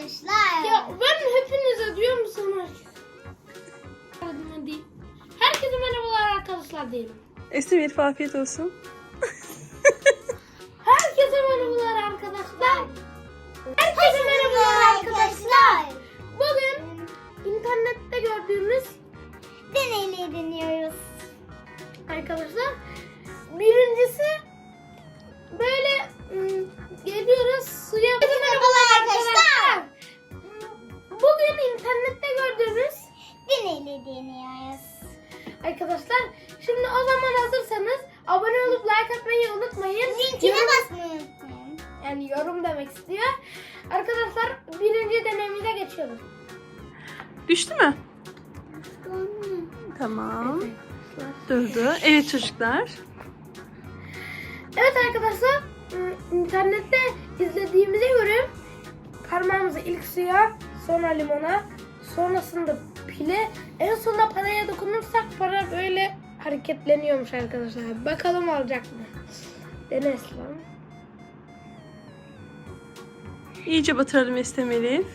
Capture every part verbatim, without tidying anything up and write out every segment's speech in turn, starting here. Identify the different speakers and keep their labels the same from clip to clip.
Speaker 1: arkadaşlar.
Speaker 2: Ya ben hepinize diyorum sana. Herkese merhabalar arkadaşlar diyelim.
Speaker 3: Esim Elif afiyet olsun.
Speaker 2: Herkese merhabalar arkadaşlar. Herkese merhabalar arkadaşlar. Bugün internette gördüğümüz
Speaker 1: deneyleri deniyoruz.
Speaker 2: arkadaşlar. Birincisi böyle ım, geliyoruz suya. Herkese merhabalar arkadaşlar. Bugün internette gördüğümüz
Speaker 1: Deneyleri deniyoruz.
Speaker 2: arkadaşlar. Şimdi o zaman hazırsanız abone olup like atmayı unutmayın.
Speaker 1: Linkine
Speaker 2: Yorum-
Speaker 1: basmayı unutmayın.
Speaker 2: Yani yorum demek istiyor. Arkadaşlar birinci deneyimize geçiyoruz.
Speaker 3: Düştü mü? Tamam. Durdu. Evet çocuklar.
Speaker 2: Evet arkadaşlar, internette izlediğimize göre parmağımızı ilk suya, sonra limona, sonrasında pile, en sonunda paraya dokunursak para böyle hareketleniyormuş arkadaşlar. Bakalım olacak mı? Dene Eslam.
Speaker 3: İyice batıralım Esim Elif.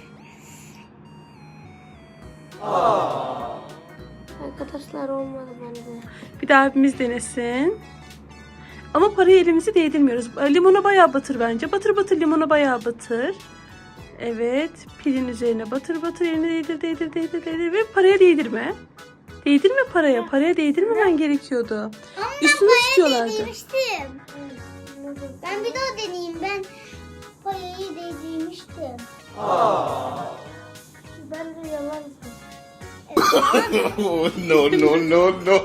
Speaker 2: Arkadaşlar olmadı bence.
Speaker 3: Bir daha abimiz denesin. Ama parayı elimizi değdirmiyoruz. Limona bayağı batır bence. Batır batır limona bayağı batır. Evet. Pilin üzerine batır batır elini değdir değdir değdir değdir ve paraya değdirme. Değdirme paraya. Paraya değdirmemen gerekiyordu.
Speaker 1: Ama
Speaker 3: Üstünü
Speaker 1: ben
Speaker 3: tutuyorlardı.
Speaker 1: değdirmiştim. Ben bir daha deneyeyim. Ben payayı değdirmiştim.
Speaker 2: Bence yalan.
Speaker 4: no, no, no, no.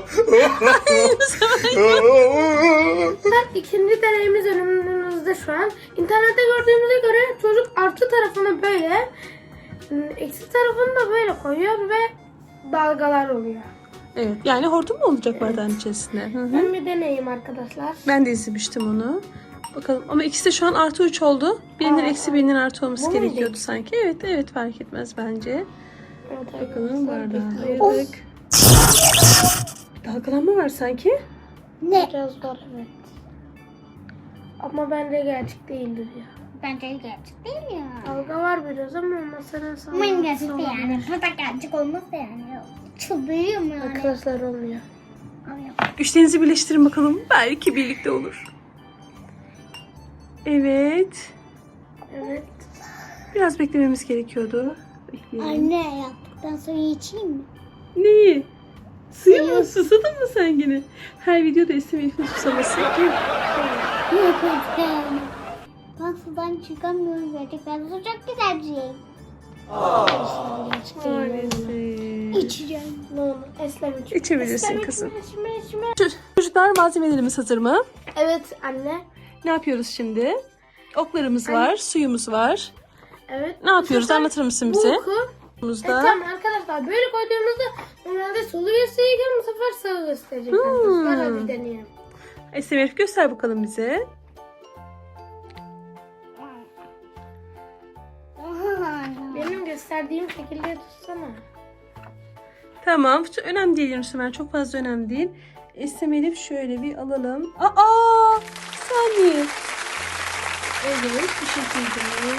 Speaker 2: İkinci deneyimiz önümüzde şu an. İnternette gördüğümüze göre çocuk artı tarafını böyle, eksi tarafını da böyle koyuyor ve dalgalar oluyor.
Speaker 3: Evet. Yani hortum mu olacak bardağın içerisinde? Hı hı.
Speaker 2: Ben bir deneyeyim arkadaşlar.
Speaker 3: Ben de izlemiştim onu. Bakalım ama ikisi de şu an artı üç oldu. Birinin
Speaker 2: Aa,
Speaker 3: eksi birinin artı olması
Speaker 2: bu
Speaker 3: gerekiyordu
Speaker 2: muydu?
Speaker 3: sanki. Evet evet fark etmez bence.
Speaker 2: Evet
Speaker 3: Bakalım bardağı
Speaker 2: bekliyoruz.
Speaker 3: aldık. Dalgalanma var sanki.
Speaker 1: Ne?
Speaker 2: Biraz var evet. Ama bence gerçek değildir ya.
Speaker 1: Bence gerçek değil ya.
Speaker 2: Dalga var biraz ama masanın sağ.
Speaker 1: Ama gerçek değil yani. Bu da gerçek olmazsa yani. Çıldırıyorum yani.
Speaker 2: Arkadaşlar olmuyor.
Speaker 3: Güçlerinizi birleştirin bakalım. Belki birlikte olur. Evet.
Speaker 2: Evet.
Speaker 3: Biraz beklememiz gerekiyordu. Bekleyelim.
Speaker 1: Anne yaptıktan sonra içeyim mi?
Speaker 3: Neyi? Suyu mu? Susadın mı sen yine? Her videoda Esim Elif'in susaması.
Speaker 1: Yok yani. Ben sudan çıkamıyorum gerçekten. Su çok güzel bir şey.
Speaker 3: Maalesef.
Speaker 1: İçeceğim.
Speaker 2: Ne olur Eslem iç.
Speaker 3: İçebilirsin
Speaker 2: Eslem
Speaker 3: kızım.
Speaker 2: içme, içme, içme.
Speaker 3: Çocuklar malzemelerimiz hazır mı?
Speaker 2: Evet anne.
Speaker 3: Ne yapıyoruz şimdi? Oklarımız var, suyumuz var.
Speaker 2: Evet.
Speaker 3: Ne yapıyoruz?
Speaker 2: Bu sefer
Speaker 3: Anlatır mısın bize?
Speaker 2: Bu oku. E,
Speaker 3: Buzda.
Speaker 2: tamam arkadaşlar böyle koyduğumuzda normalde sulu gösterirken bu sefer sağı gösterecek
Speaker 3: Hmm.
Speaker 2: arkadaşlar. Hadi deneyelim.
Speaker 3: Esim Elif göster bakalım bize.
Speaker 2: Benim gösterdiğim şekilde tutsana.
Speaker 3: Tamam. Çok önemli değil Yunus Ömer. Çok fazla önemli değil. Esim Elif şöyle bir alalım. Aa! Bir saniye. Evet. Bu şekilde.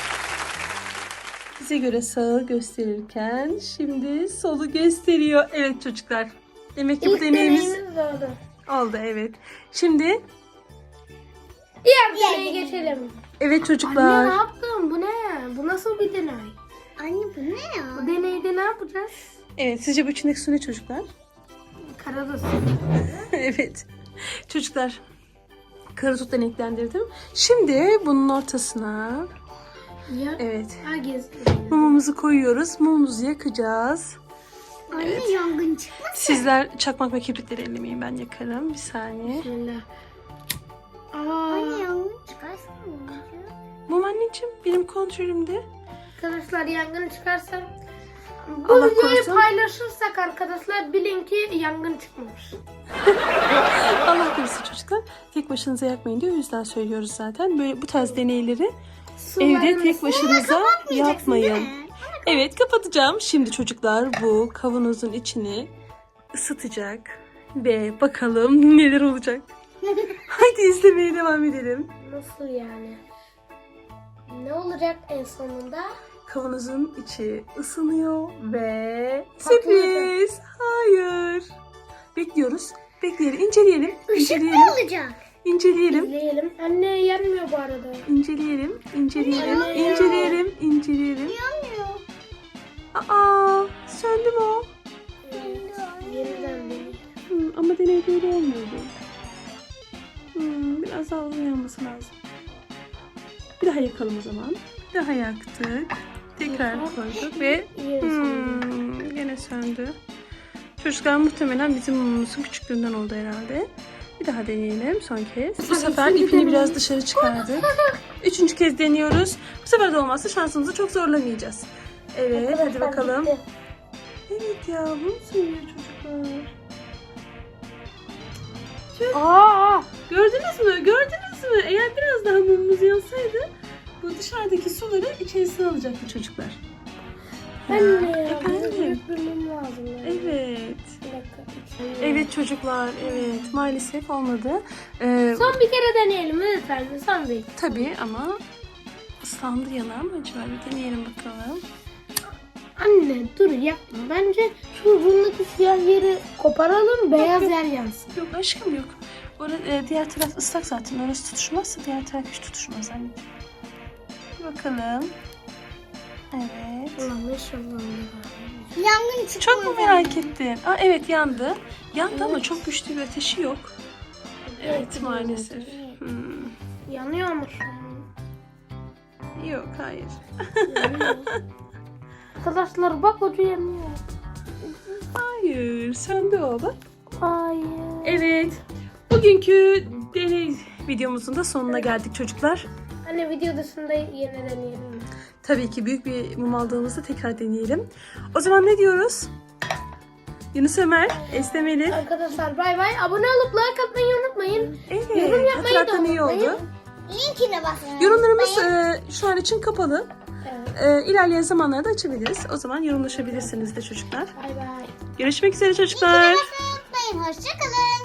Speaker 3: Bize göre sağı gösterirken şimdi solu gösteriyor. Evet çocuklar. Demek ki bu
Speaker 2: İlk
Speaker 3: deneyimiz
Speaker 2: deneyimiz oldu.
Speaker 3: oldu. Evet. Şimdi
Speaker 2: Diğer
Speaker 1: Diğer
Speaker 2: deneye
Speaker 1: deney.
Speaker 2: geçelim.
Speaker 3: evet
Speaker 2: Anne ne
Speaker 3: çocuklar.
Speaker 2: yaptın? Bu ne? Bu nasıl bir deney?
Speaker 1: Anne bu ne ya?
Speaker 2: Bu deneyde ne yapacağız?
Speaker 3: Evet sizce bu içindeki su ne çocuklar?
Speaker 2: Karada su.
Speaker 3: Evet. Çocuklar karadut deneklendirdim. Şimdi bunun ortasına
Speaker 2: Ya.
Speaker 3: evet
Speaker 2: Ha gezdim.
Speaker 3: mumumuzu koyuyoruz. Mumumuzu yakacağız.
Speaker 1: Anne yangın çıkmasın.
Speaker 3: Sizler çakmak ve kibritleri ellemeyin, ben yakarım. Bir saniye.
Speaker 2: Bismillah.
Speaker 1: Anne
Speaker 2: Aa,
Speaker 1: yangın çıkarsa ne olacak?
Speaker 3: Mum anneciğim benim kontrolümde.
Speaker 2: arkadaşlar yangın çıkarsa bu
Speaker 3: Allah
Speaker 2: videoyu
Speaker 3: korusun.
Speaker 2: paylaşırsak arkadaşlar bilin ki yangın çıkmamış.
Speaker 3: Allah korusun çocuklar. Tek başınıza yakmayın diye o yüzden söylüyoruz zaten. Böyle bu tarz deneyleri evde tek başınıza yapmayın. Evet kapatacağım. Şimdi çocuklar bu kavanozun içini ısıtacak. Ve bakalım neler olacak. Hadi izlemeye devam edelim.
Speaker 2: Nasıl yani? Ne olacak en sonunda?
Speaker 3: kavanozun içi ısınıyor ve
Speaker 2: Patlıyor.
Speaker 3: sürpriz. Hayır. Bekliyoruz. Bekleyelim. İnceleyelim. İnceleyelim.
Speaker 1: Olacak.
Speaker 3: İnceleyelim.
Speaker 2: İzleyelim. Anne yanmıyor bu arada.
Speaker 3: İnceleyelim. İnceleyelim.
Speaker 2: Yanıyor.
Speaker 3: İnceleyelim. İnceleyelim.
Speaker 1: Yanmıyor.
Speaker 3: Aa, söndü mü o?
Speaker 2: Yeniden bir.
Speaker 3: Hmm, ama deney böyle olmuyordu. Hmm, biraz daha uzun yanması lazım. Bir daha yakalım o zaman. Bir daha yaktık. Tekrar koyduk ve
Speaker 2: Yine söndü.
Speaker 3: hmm, yine söndü. Çocuklar muhtemelen bizim mumumuzun küçüklüğünden oldu herhalde. Bir daha deneyelim son kez. Bu sefer ipini biraz dışarı çıkardık. Üçüncü kez deniyoruz. Bu sefer de olmazsa şansımızı çok zorlamayacağız. Evet, hadi bakalım.
Speaker 2: Bitti.
Speaker 3: Evet ya, bunu söylüyor çocuklar.
Speaker 2: Aa!
Speaker 3: Gördünüz mü? Gördünüz mü? Eğer biraz daha mumumuz yansaydı bu dışarıdaki suları içerisine alacaktı çocuklar.
Speaker 2: Anne ya.
Speaker 3: Efendim?
Speaker 2: Büyük bir mum lazım. yani.
Speaker 3: Evet.
Speaker 2: Bir dakika.
Speaker 3: Evet çocuklar, evet. Maalesef olmadı. Ee,
Speaker 2: Son bir kere deneyelim lütfen. Son bir.
Speaker 3: tabii ama ıslandı yanar mı acaba? Bir deneyelim bakalım.
Speaker 2: Anne dur yapma. Bence şu ucundaki siyah yeri koparalım. Beyaz yer yansın.
Speaker 3: Yok aşkım yok. Orada, e, diğer taraf ıslak zaten. Orası tutuşmazsa diğer taraf hiç tutuşmaz anneciğim. Bir bakalım. Evet.
Speaker 2: Ulan inşallah.
Speaker 1: Yangın çıkmadı.
Speaker 3: Çok mu merak ettin? Aa, evet yandı. Yandı ama çok güçlü bir ateşi yok. Evet maalesef. Hmm.
Speaker 2: Yanıyor mu şu an?
Speaker 3: Yok hayır.
Speaker 2: Yanıyor. Arkadaşlar bak ucu yanıyor.
Speaker 3: Hayır söndü o bak.
Speaker 2: Hayır.
Speaker 3: Evet. Bugünkü deney videomuzun da sonuna geldik çocuklar.
Speaker 2: Anne video dışında yine deneyelim mi?
Speaker 3: Tabii ki büyük bir mum aldığımızda tekrar deneyelim. O zaman ne diyoruz? Yunus Ömer, Eslem Elif.
Speaker 2: Arkadaşlar bay bay. Abone olup like atmayı unutmayın.
Speaker 3: Evet,
Speaker 2: Yorum yapmayı da
Speaker 3: hatırlatan iyi
Speaker 2: unutmayın.
Speaker 3: oldu.
Speaker 1: Linkine basın.
Speaker 3: Yorumlarımız e, şu an için kapalı.
Speaker 2: Evet.
Speaker 3: E, ilerleyen zamanlarda açabiliriz. O zaman yorumlaşabilirsiniz de çocuklar.
Speaker 2: Bay bay.
Speaker 3: Görüşmek üzere çocuklar.
Speaker 1: Unutmayın. Hoşçakalın.